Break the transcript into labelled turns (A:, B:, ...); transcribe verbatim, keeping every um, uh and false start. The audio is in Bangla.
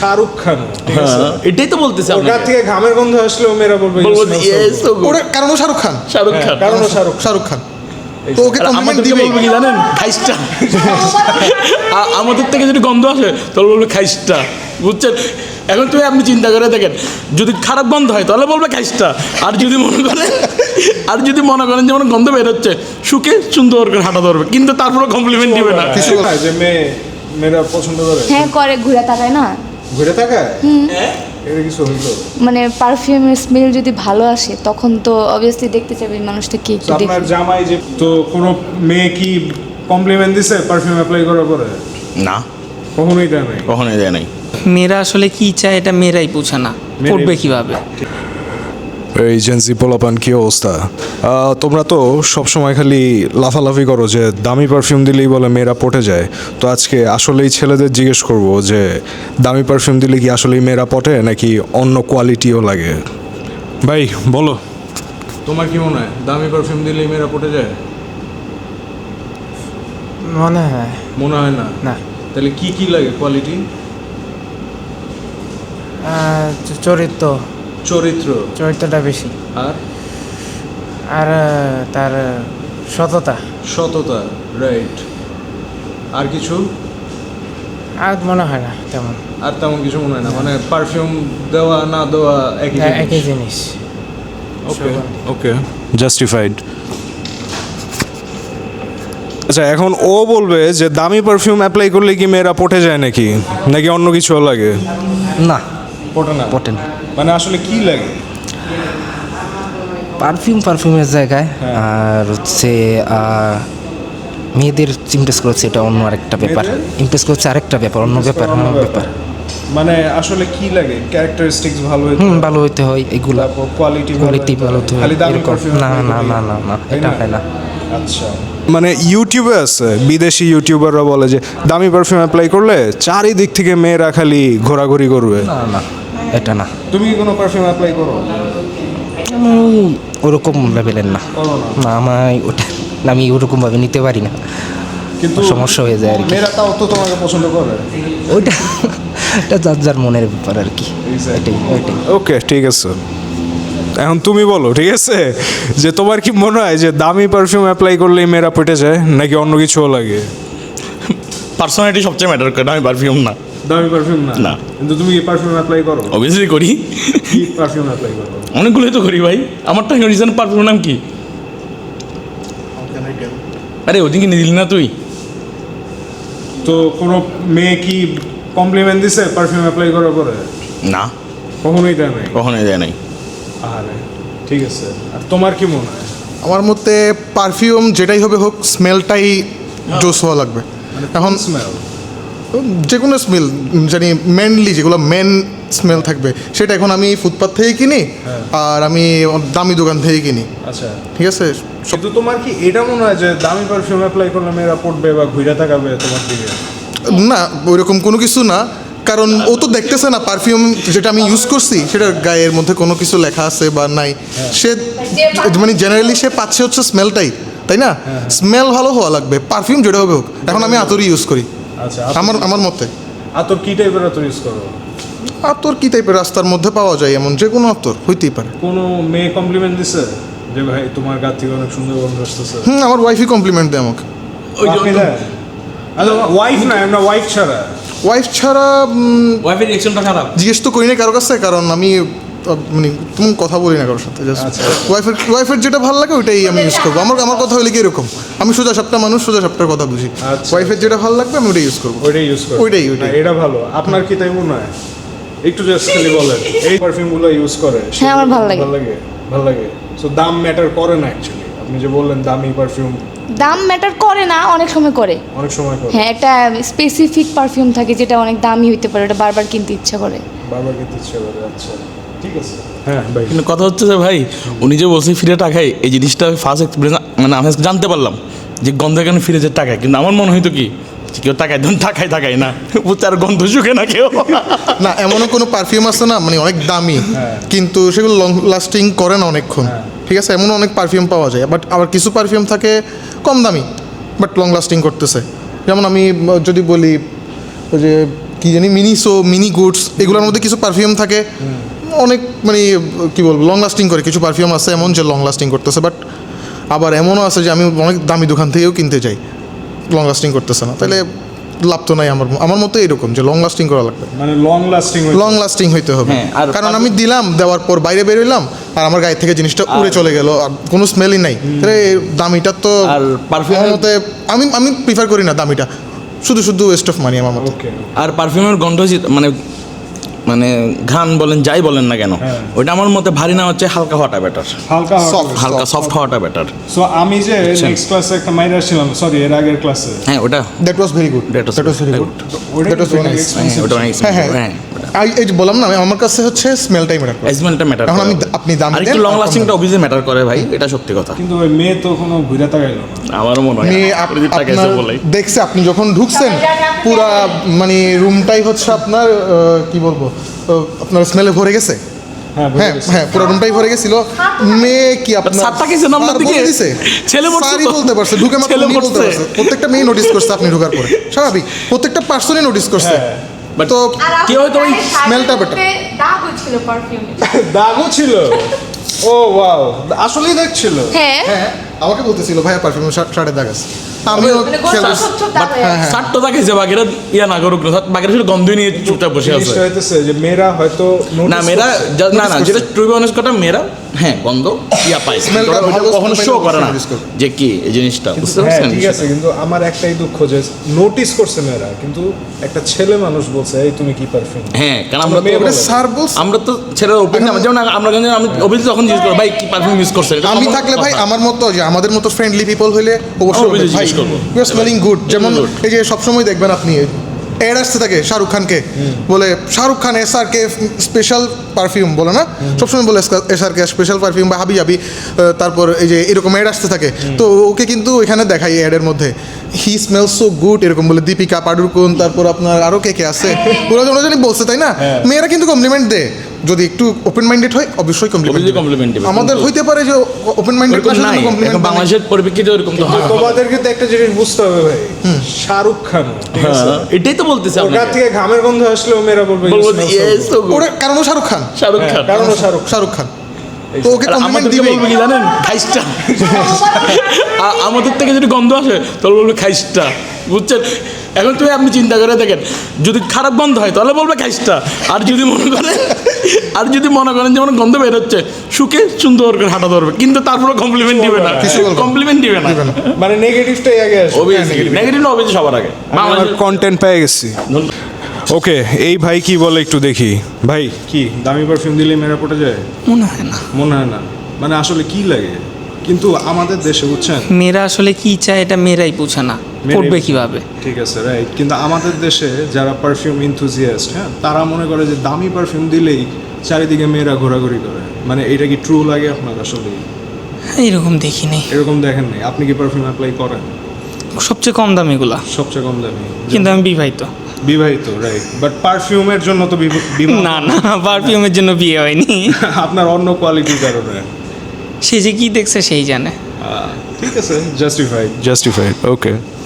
A: শাহরুখ খান,
B: এটাই তো বলতেছি
A: ওর গা থেকে ঘামের গন্ধ আসলেও মেয়েরা বলবে
C: ওরা কারণ ও শাহরুখ খান,
B: শাহরুখ খান
A: কারণ ও শাহরুখ
C: শাহরুখ খান তো ওকে
B: আর
C: কমপ্লিমেন্ট
B: আমাদেরকে
C: দিবে।
B: বলবে কি জানেন, খাইস্টা। আ- আমাদের থেকে যদি গন্ধ আসে তাহলে বলবে খাইস্টা, বুঝছেন? এখন তুমি আপনি চিন্তা করে দেখেন, যদি খারাপ গন্ধ হয় তাহলে বলবে খাইস্টা, আর যদি মনে করেন আর যদি মনে করেন যেমন গন্ধ বেরোচ্ছে, শুকে সুন্দর করে হাঁটা ধরবে, কিন্তু তারপরে কমপ্লিমেন্ট দিবে না।
A: কিছু না যে মেয়ে মেয়েরা পছন্দ করে
D: হ্যাঁ করে, ঘুরে তাকায় না,
A: ঘুরে থাকায় এটা কিছু হইলো।
D: মানে পারফিউমের স্মেল যদি ভালো আসে তখন তো অবভিয়াসলি দেখতে চাইবে এই মানুষটা কি একটু
A: তো
D: দেখি।
A: আপনার জামাই যে তো কোনো মেয়ে কি কমপ্লিমেন্ট দিছে পারফিউম অ্যাপ্লাই করার পরে?
B: না,
A: কখনোই দেয় নাই।
B: কখনোই দেয় নাই।
E: মেয়েরা আসলে কি চায় এটা মেয়েরাই বোঝে না, করবে কিভাবে।
F: এই জেন্সি পোলাপান কি অবস্থা? আহ, তোমরা তো সবসময় খালি লাফালাফি করো যে দামি পারফিউম দিলেই বলে মেয়েরা পটে যায়। তো আজকে আসলেই ছেলেদের জিজ্ঞেস করব যে দামি পারফিউম দিলে কি আসলেই মেয়েরা পটে নাকি অন্য কোয়ালিটিও লাগে? ভাই বলো, তোমার কি মনে হয় দামি পারফিউম দিলেই মেয়েরা পটে যায়?
G: মনে হয়
F: মনে হয় না।
G: না।
F: তাহলে কি কি লাগে কোয়ালিটি?
G: আহ, চ- চরিত্র
F: চরিত্র
G: চরিত্রটা বেশি,
F: আর
G: আর আহ, তার সততা,
F: সততা, রাইট। আর কিছু?
G: আর মনে হয় না তেমন।
F: আর তেমন কিছু মনে হয় না, মানে পারফিউম দেওয়া না দেওয়া একই
G: হ্যাঁ, একই জিনিস।
F: Okay okay justified. আচ্ছা, এখন ও বলবে যে দামি পারফিউম অ্যাপ্লাই করলে কি মেয়েরা পটে যায় নাকি নাকি অন্য কিছু লাগে?
H: না,
A: পটে না
H: পটে না।
A: মানে আসলে কি লাগে?
H: পারফিউম পারফিউমের জায়গায় আর হচ্ছে আহ, মেয়েদের ইমপ্রেস করেছে এটা অন্য আরেকটা ব্যাপার, ইমপ্রেস করছে আরেকটা ব্যাপার, অন্য ব্যাপার, অন্য ব্যাপার।
A: মানে আসলে কি লাগে? ক্যারেক্টারিস্টিক্স ভালো হইতে
H: হুম, ভালো হইতে হয় এগুলা,
A: কোয়ালিটি
H: কোয়ালিটি ভালো হতে হয়
A: খালি দামি
H: এরকম।
A: পারফিউম
H: না না না না না, এটা হয় না।
A: আচ্ছা,
F: মানে ইউটিউবে আছে বিদেশি ইউটিউবাররা বলে যে দামি পারফিউম অ্যাপ্লাই করলে চারিদিক থেকে মেয়েরা খালি ঘোরাঘুরি করবে।
H: না না, এটা না।
A: তুমি কি কোনো পারফিউম অ্যাপ্লাই করো?
H: আমি ওরকম লেভেলের না,
A: করো না।
H: না আমায় ওটা আমি ওরকমভাবে নিতে পারি না,
A: কিন্তু
H: সমস্যা হয়ে যায় আর কি।
A: মেয়েরা তাও তো তোমাকে পছন্দ করে।
H: ওইটা এটা যার যার মনের ব্যাপার আর কি, এটাই ওইটাই।
F: ওকে ঠিক আছে, এখন তুমি বলো ঠিক আছে যে তোমার কি মনে হয় যে দামি পারফিউম অ্যাপ্লাই করলেই মেয়েরা পটে যায় নাকি অন্য কিছুও লাগে?
B: পার্সোনালিটি সবচেয়ে ম্যাটার করে, আমি পারফিউম না।
A: দামি পারফিউম না?
B: না।
A: কিন্তু তুমি কি পারফিউম অ্যাপ্লাই করো?
B: অবভিয়াসলি করি,
A: কি পারফিউম অ্যাপ্লাই করো?
B: অনেকগুলোই তো করি ভাই। আমার তো রিজন পারফিউম নাম কি? আরে ওদিকে নিয়ে দিলি না তুই?
A: তো কোনো মেয়ে কি কমপ্লিমেন্ট দিছে পারফিউম অ্যাপ্লাই করার পরে?
B: না,
A: কখনোই দেয় নাই।
B: কখনোই দেয় নাই।
A: আরে ঠিক আছে, আর তোমার কি মনে হয়?
C: আমার মতে পারফিউম যেটাই হবে হোক স্মেলটাই জোস হওয়া লাগবে। এখন
A: স্মেল
C: যে কোনো স্মেল জানি মেনলি যেগুলো মেন স্মেল থাকবে সেটা এখন আমি ফুটপাথ থেকে কিনি আর আমি দামি দোকান থেকে কিনি,
A: আচ্ছা,
C: ঠিক আছে।
A: কিন্তু তোমার কি এটা মনে হয় যে দামি পারফিউম অ্যাপ্লাই করলে মেয়েরা পড়বে বা ঘুরে থাকাবে তোমার দিকে?
C: না, ওইরকম কোনো কিছু না, কারণ ও তো দেখতেছে না পারফিউম যেটা আমি ইউজ করছি সেটার গায়ের মধ্যে কোনো কিছু লেখা আছে বা নাই। সে মানে জেনারেলি সে পাচ্ছে হচ্ছে স্মেলটাই, তাই না? স্মেল ভালো হওয়া লাগবে, পারফিউম যেটা হবে হোক। এখন আমি আতরই ইউজ করি,
A: আচ্ছা,
C: আমার আমার মতে।
A: আতর কি টাইপের আতর ইউজ করো?
C: আতর কি টাইপের রাস্তার মধ্যে পাওয়া যায় এমন যে কোনো আতর হইতেই পারে।
A: কোনো মেয়ে কমপ্লিমেন্ট দিছে যে ভাই তোমার গা থেকে অনেক সুন্দর গন্ধ আসতেছে?
C: হুম, আমার ওয়াইফই কমপ্লিমেন্ট দেয় আমাকে।
B: ওই
A: আপনি দেন? আচ্ছা, ওয়াইফ না, আমরা ওয়াইফ ছাড়া।
C: ওয়াইফ ছাড়া উম,
B: ওয়াইফের রিঅ্যাকশনটা খারাপ।
C: জিজ্ঞেস তো করি না কারো কাছে, কারণ আমি আহ, মানে তুমি কথা বলি না কারোর সাথে। জাস্ট
A: আচ্ছা।
C: ওয়াইফের ওয়াইফের যেটা ভালো লাগে ওইটাই আমি ইউজ করবো। আমার আমার কথা হলে কি এরকম, আমি সোজা সাপটা মানুষ, সোজা সাপটার কথা বুঝি।
A: আচ্ছা।
C: ওয়াইফের যেটা ভালো লাগবে আমি ওইটাই ইউজ করবো।
A: ওইটাই ইউজ করো?
C: ওইটাই, ওইটাই।
A: না, এটা ভালো। আপনার কি তাই মনে হয়? একটু জাস্ট খালি বলেন এই পারফিউমগুলো ইউজ করে।
D: হ্যাঁ, আমার ভালো লাগে।
A: ভালো লাগে, ভালো লাগে। সো দাম ম্যাটার করে না অ্যাকচুয়ালি। আপনি যে বললেন দামি পারফিউম
D: দাম ম্যাটার করে না, অনেক সময় করে।
A: অনেক সময় করে।
D: হ্যাঁ, একটা স্পেসিফিক পারফিউম থাকে যেটা অনেক দামি হইতে পারে, ওটা বারবার কিনতে ইচ্ছা করে।
A: বারবার কিনতে ইচ্ছে করে। আচ্ছা ঠিক আছে। হ্যাঁ ভাই,
B: কিন্তু কথা হচ্ছে যে ভাই, উনি যে বলছে ফিরে টাকায়, এই জিনিসটা ফার্স্ট এক্সপিরিয়েন্স মানে আমি আজকে জানতে পারলাম যে গন্ধ কেন ফিরে যে টাকায়। কিন্তু আমার মনে হয়তো কি যে কেউ টাকায় দেন, টাকায় টাকায় না, বুঝতে আর গন্ধ শুকে না কেউ।
C: না, এমনও কোনো পারফিউম আছে না মানে অনেক দামি কিন্তু সেগুলো লং লাস্টিং করে না অনেকক্ষণ, ঠিক আছে। এমন অনেক পারফিউম পাওয়া যায়, বাট আবার কিছু পারফিউম থাকে কম দামি বাট লং লাস্টিং করতেছে। যেমন আমি যদি বলি ওই যে কি জানি মিনিসো মিনি গুডস এগুলোর মধ্যে কিছু পারফিউম থাকে অনেক মানে কি বলবো লং লাস্টিং করে, কিছু পারফিউম আছে এমন যে লং লাস্টিং করতেছে, বাট আবার এমনও আছে যে আমি অনেক দামি দোকান থেকেও কিনতে চাই, লং লাস্টিং করতেছে না, তাহলে লাভ তো নাই আমার আমার মতো এরকম যে লং লাস্টিং করা লাগবে,
A: মানে লং লাস্টিং
C: লং লাস্টিং হইতে হবে।
B: হ্যাঁ, আর
C: কারণ আমি দিলাম, দেওয়ার পর বাইরে বেরোইলাম আর আমার গায়ে থেকে জিনিসটা উড়ে চলে গেল আর কোনো স্মেলই নাই, তাহলে এই দামিটা তো
B: আর perfume-
C: আমার মতে আমি আমি প্রিফার করি না দামিটা, শুধু শুধু ওয়েস্ট অফ মানি আমার মতে।
A: ওকে
B: আর পারফিউমের গন্ধ যে- মানে মানে ঘ্রাণ বলেন যাই বলেন না কেন,
A: হ্যাঁ।
B: ওইটা আমার মতে ভারী না হচ্ছে হালকা হওয়াটা বেটার,
A: হালকা
C: Soft.
B: হালকা সফট হওয়াটা বেটার।
A: সো আমি যে নেক্সট ক্লাসে একটা মাইনার ছিলাম, সরি এর আগের ক্লাসে,
B: হ্যাঁ ওটা
C: that was very good,
B: That was
C: that was very
B: very
C: good,
A: ওটা
C: দ্যাট ওয়াজ ভেরি নাইস।
B: হ্যাঁ, ওটা অনেক
C: হ্যাঁ হ্যাঁ
B: হ্যাঁ
C: আই- এই যে বললাম না আমি, আমার কাছে হচ্ছে স্মেলটাই ম্যাটার করে।
B: এজমেন্টটা ম্যাটার
C: এখন
B: করে।
C: আমি আপনি দাম
B: আর
C: দেন,
B: একটু লং
C: আর কম
B: লাস্টিংটা
C: দাম।
B: অবভিয়াসলি ম্যাটার করে ভাই, এটা সত্যি কথা।
A: কিন্তু ওই মেয়ে তো কোনো ঘুরে তাকাইলো না।
B: আমারও মনে হয়
C: মেয়ে
B: না।
C: আপ-
B: ওই যে তাকাইছে
C: আপনার
B: বলেই।
C: দেখছে আপনি যখন ঢুকছেন পুরা মানে রুমটাই হচ্ছে আপনার আহ, কি বলবো আহ, আপনার স্মেলে ভরে গেছে।
A: হ্যাঁ বুঝে
C: হ্যাঁ
A: গেছি।
C: হ্যাঁ পুরো রুমটাই ভরে গেছিল। মেয়ে কি আপনার
B: স্যার তাকিয়েছে না আপনার
C: স্যার
B: দিকে?
C: বলে দিছে?
B: ছেলে বলছে
C: স্যারই
B: তো।
C: বলতে পারছে, ঢুকে মাত্র
B: ছেলে
C: উনি বলতে
B: বলছে।
C: পারছে। প্রত্যেকটা মেয়ে নোটিস করছে আপনি ঢোকার পরে, স্বাভাবিক প্রত্যেকটা পার্সনই নোটিস করছে।
B: But
C: তো
B: কি হয়তো ওই
C: স্মেলটা better।
D: দাগ ছিল পারফিউমে।
A: দাগও ছিল। ও ওয়াও, আসলেই দাগ ছিল।
D: হ্যাঁ
C: হ্যাঁ আমাকে বলতেছিল ভাইয়া পারফিউম শার্টের দাগ আছে, আমিও
D: মানে
C: খেয়াল
D: গোল
C: করছি।
D: ছোট ছোট দাগ হয়ে আছে।
B: ষাট তো তাকাইছে বাকিরা ইয়া না করুক না, বাকিরা শুধু গন্ধই নিয়ে চুপচাপ বসে আছে।
A: জিনিসটা হইতেছে যে মেয়েরা হয়তো
B: না
A: notice
B: মেয়েরা
A: করছে।
B: যা- না না
C: Notice
B: যেটা
C: করছে।
B: টু বি অনেস্ট কথা, মেয়েরা হ্যাঁ গন্ধ ইয়া পায়,
C: Smell-টা
B: ওটা
C: ভালো
B: কখনো
C: smell
B: শো
C: পাইলে
B: করে না
C: notice করবে।
B: যে কি এই জিনিসটা, বুঝতে
A: হ্যাঁ
B: পারছেন?
A: ঠিক আছে, কিন্তু আমার একটাই দুঃখ যে নোটিস করছে মেয়েরা, কিন্তু একটা ছেলে মানুষ বলছে এই তুমি কি পারফিউম।
B: হ্যাঁ কারণ আমরা
A: মেয়ে
B: তো
A: বলে।
C: স্যার বলছে
B: আমরা তো ছেলেরা ওপেন না, যেমন আমরা কিন্তু আমি অভিজিৎ যখন জিজ্ঞেস করবো ভাই কি পারফিউম ইউজ করছেন, এটা
C: আমি
B: common
C: থাকলে ভাই
B: কথা।
C: আমার মতো যে আমাদের মতো ফ্রেন্ডলি পিপল হইলে অবশ্যই
B: অবশ্যই
C: বলবে, ভাই
B: জিজ্ঞেস করবো।
C: You are smelling good. যেমন
B: good.
C: এই যে সবসময় দেখবেন আপনি অ্যাড আসতে থাকে শাহরুখ খানকে, বলে Shahrukh Khan S R K special perfume বলে না, সবসময় বলে S R K special perfume বা হাবি হাবি, তারপর এই যে এরকম অ্যাড আসতে থাকে, তো ওকে কিন্তু এখানে দেখাই অ্যাডের মধ্যে হি স্মেল সো গুড এরকম বলে, দীপিকা পাডুকোন, তারপর আপনার আরও কে কে আছে ওরা ওরা জানি বলছে, তাই না? মেয়েরা কিন্তু কমপ্লিমেন্ট দেয়, যদি একটু ওপেন মাইন্ডেড হয় অবশ্যই কমপ্লিমেন্ট
B: Obviously compliment দিবে।
C: আমাদের
B: কিন্তু-
C: হইতে পারে যে ওপেন মাইন্ডেড
B: ওরকম নাই, এখন বাংলাদেশের পরিপ্রেক্ষিতে ওরকম তো হয় না।
A: তোমাদের কিন্তু একটা জিনিস বুঝতে হবে ভাই, শাহরুখ খান ঠিক আছে,
B: হ্যাঁ, এটাই তো বলতেছি
A: ওর
B: আপনাকে।
A: গা থেকে ঘামের গন্ধ আসলেও মেয়েরা বলবে you
B: বলবো
A: smell so
B: yes,
A: good।
B: so good।
C: ওরা কারণ ও শাহরুখ খান,
B: শাহরুখ খান।
A: কারণ ও শাহরুখ
C: শাহরুখ খান তো ওকে
B: আর
C: কমপ্লিমেন্ট
B: আমাদেরকে
C: দিবে।
B: বলবে কি জানেন, খাইস্টা। আ- আমাদের থেকে যদি গন্ধ আসে তাহলে বলবে খাইস্টা, বুঝছেন? এখন তুমি আপনি চিন্তা করে দেখেন, যদি খারাপ গন্ধ হয় তাহলে বলবে খাইস্টা, আর যদি মনে করেন আর যদি মনে করেন যেমন গন্ধ বের হচ্ছে, সুখে সুন্দর করে হাঁটা ধরবে, কিন্তু তারপরে কমপ্লিমেন্ট দিবে না,
C: কিছু বলবে না।
B: কমপ্লিমেন্ট দিবে না।
A: মানে নেগেটিভটাই আগে আসে।
B: অবভিয়াসলি নেগেটিভ না, অবভিয়াসলি সবার আগে।
F: আমার
B: বাংলাদেশের-
F: কন্টেন্ট পেয়ে গেছি।
B: ধন্য-
F: ওকে, এই ভাই কি বলে একটু দেখি। ভাই
A: কি দামি পারফিউম দিলে মেয়েরা পটে যায়?
E: মনে হয় না।
A: মনে হয় না, মানে আসলে কি লাগে? কিন্তু আমাদের দেশে বুঝছেন,
E: মেয়েরা আসলে কি চায় এটা মেয়েরাই বুঝে না,
A: মেয়েরাই
E: করবে
A: বুঝে।
E: কিভাবে।
A: ঠিক আছে রাইট, কিন্তু আমাদের দেশে যারা পারফিউম ইনথুজিয়াস্ট, হ্যাঁ তারা মনে করে যে দামি পারফিউম দিলেই চারিদিকে মেয়েরা ঘোরাঘুরি করে। মানে এটা কি ট্রু লাগে আপনার আসলে?
E: এরকম দেখিনি,
A: এরকম দেখেন নাই? আপনি কি পারফিউম অ্যাপ্লাই করেন?
E: সবচেয়ে কম দামিগুলা,
A: সবচেয়ে কম দামি?
E: কিন্তু আমি বিবাহিত।
A: বিবাহিত, রাইট, বাট পারফিউমের জন্য তো বিব- বিবাহ
E: না না, পারফিউমের জন্য বিয়ে হয়নি।
A: আপনার অন্য কোয়ালিটির কারণে।
E: সে যে কি দেখছে সেই জানে।
A: ঠিক আছে, জাস্টিফাইড।
F: জাস্টিফাইড, ওকে।